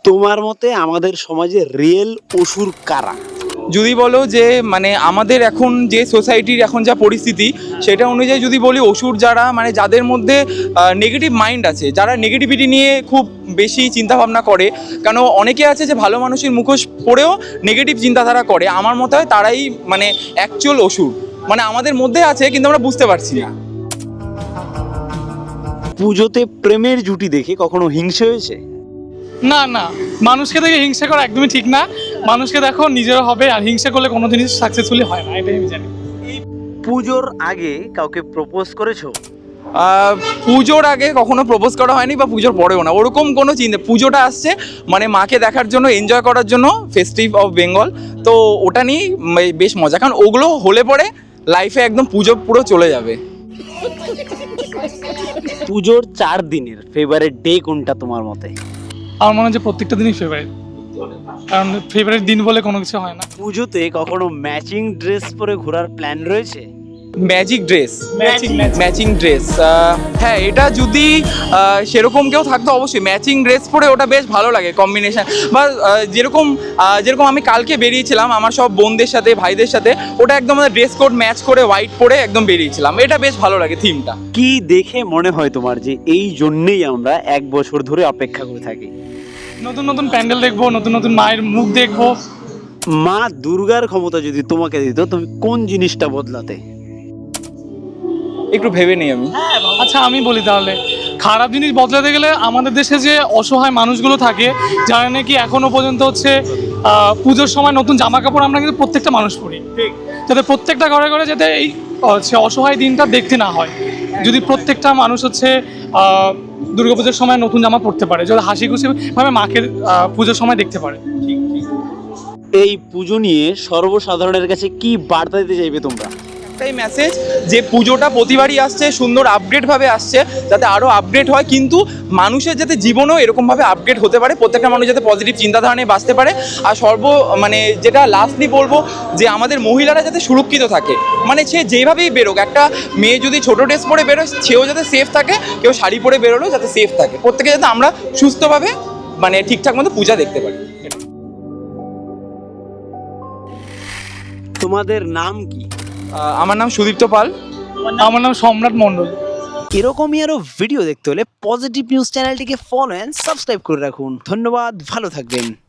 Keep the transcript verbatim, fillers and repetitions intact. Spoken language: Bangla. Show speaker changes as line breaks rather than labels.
তোমার মতে আমাদের সমাজে রিয়েল অসুর কারা?
যদি বলো যে মানে আমাদের এখন যে সোসাইটির এখন যা পরিস্থিতি সেটা অনুযায়ী যদি বলি অসুর যারা মানে যাদের মধ্যে নেগেটিভ মাইন্ড আছে, যারা নেগেটিভিটি নিয়ে খুব বেশি চিন্তাভাবনা করে, কেন অনেকে আছে যে ভালো মানুষের মুখোশ পড়েও নেগেটিভ চিন্তাধারা করে, আমার মতে হয় তারাই মানে অ্যাকচুয়াল অসুর, মানে আমাদের মধ্যে আছে কিন্তু আমরা বুঝতে পারছি না।
পুজোতে প্রেমের জুটি দেখে কখনো হিংসে হয়েছে?
না না, মানুষকে দেখে হিংসা করা একদমই ঠিক না। মানুষকে দেখো নিজের হবে, আর হিংসা করলে কোনো জিনিস সাকসেসফুলি হয় না, এটাই আমি জানি।
পুজোর আগে কাউকে প্রপোজ করেছো?
আহ, পুজোর আগে কখনো প্রপোজ করা হয়নি বা পুজোর পরেও না, ওরকম কোনো চিন্তা। পুজোটা আসছে মানে মাকে দেখার জন্য, এনজয় করার জন্য, ফেস্টিভ অফ বেঙ্গল, তো ওটা নিয়েই বেশ মজা, কারণ ওগুলো হলে পরে লাইফে একদম পুজো পুরো চলে যাবে।
পুজোর চার দিনের ফেভারিট ডে কোনটা তোমার মতে?
আমার মনে হয় যে প্রত্যেকটা দিনই ফেভারিট, কারণ ফেভারিট দিন বলে কোনো কিছু হয় না।
পুজোতে কখনো ম্যাচিং ড্রেস পরে ঘোরার প্ল্যান রয়েছে?
Magic dress,
matching
matching dress, হ্যাঁ এটা যদি আহ, সেরকম কেউ থাকতো অবশ্যই ম্যাচিং ড্রেস পরে, ওটা বেশ ভালো লাগে কম্বিনেশন। বা আহ, যেরকম আহ, যেরকম আমি কালকে বেরিয়েছিলাম আমার সব বোনদের সাথে, ভাইদের সাথে, ওটা একদম ড্রেস কোড ম্যাচ করে হোয়াইট পরে একদম বেরিয়েছিলাম, এটা বেশ ভালো লাগে থিমটা।
কি দেখে মনে হয় তোমার যে এই জন্যেই আমরা এক বছর ধরে অপেক্ষা করে থাকি?
নতুন নতুন প্যান্ডেল দেখবো, নতুন নতুন মায়ের মুখ দেখবো।
মা দুর্গার ক্ষমতা যদি তোমাকে দিত, তুমি কোন জিনিসটা বদলাতে?
একটু ভেবে নিই আমি।
আচ্ছা আমি বলি তাহলে, খারাপ জিনিস বদলাতে গেলে আমাদের দেশে যে অসহায় মানুষগুলো থাকে, যারা নাকি এখনো পর্যন্ত হচ্ছে আহ, পুজোর সময় নতুন জামা কাপড় আমরা কিন্তু প্রত্যেকটা মানুষ পরি, যাতে প্রত্যেকটা ঘরে ঘরে যাতে এই হচ্ছে অসহায় দিনটা দেখতে না হয়। যদি প্রত্যেকটা মানুষ হচ্ছে আহ, দুর্গাপুজোর সময় নতুন জামা পরতে পারে, যদি হাসি খুশি ভাবে মাকে আহ, পুজোর সময় দেখতে পারে।
এই পুজো নিয়ে সর্বসাধারণের কাছে কি বার্তা দিতে চাইবে তোমরা?
একটাই মেসেজ, যে পুজোটা প্রতিবারই আসছে, সুন্দর আপগ্রেডভাবে আসছে, যাতে আরও আপগ্রেড হয়, কিন্তু মানুষের যাতে জীবনেও এরকমভাবে আপগ্রেড হতে পারে, প্রত্যেকটা মানুষ যাতে পজিটিভ চিন্তাধারা নিয়ে বাঁচতে পারে। আর সর্ব মানে যেটা লাস্টলি বলবো, যে আমাদের মহিলারা যাতে সুরক্ষিত থাকে, মানে সে যেভাবেই বেরোক, একটা মেয়ে যদি ছোটো ড্রেস পরে বেরোয় সেও যাতে সেফ থাকে, কেউ শাড়ি পরে বেরোলেও যাতে সেফ থাকে, প্রত্যেকে যাতে আমরা সুস্থভাবে মানে ঠিকঠাক মতো পূজা দেখতে পারি।
তোমাদের নাম কি?
আহ, আমার নাম সুদীপ্ত পাল।
আমার নাম সম্রাট মণ্ডল।
এরকমই আরো ভিডিও দেখতে হলে পজিটিভ নিউজ চ্যানেলটিকে ফলো এন্ড সাবস্ক্রাইব করে রাখুন। ধন্যবাদ, ভালো থাকবেন।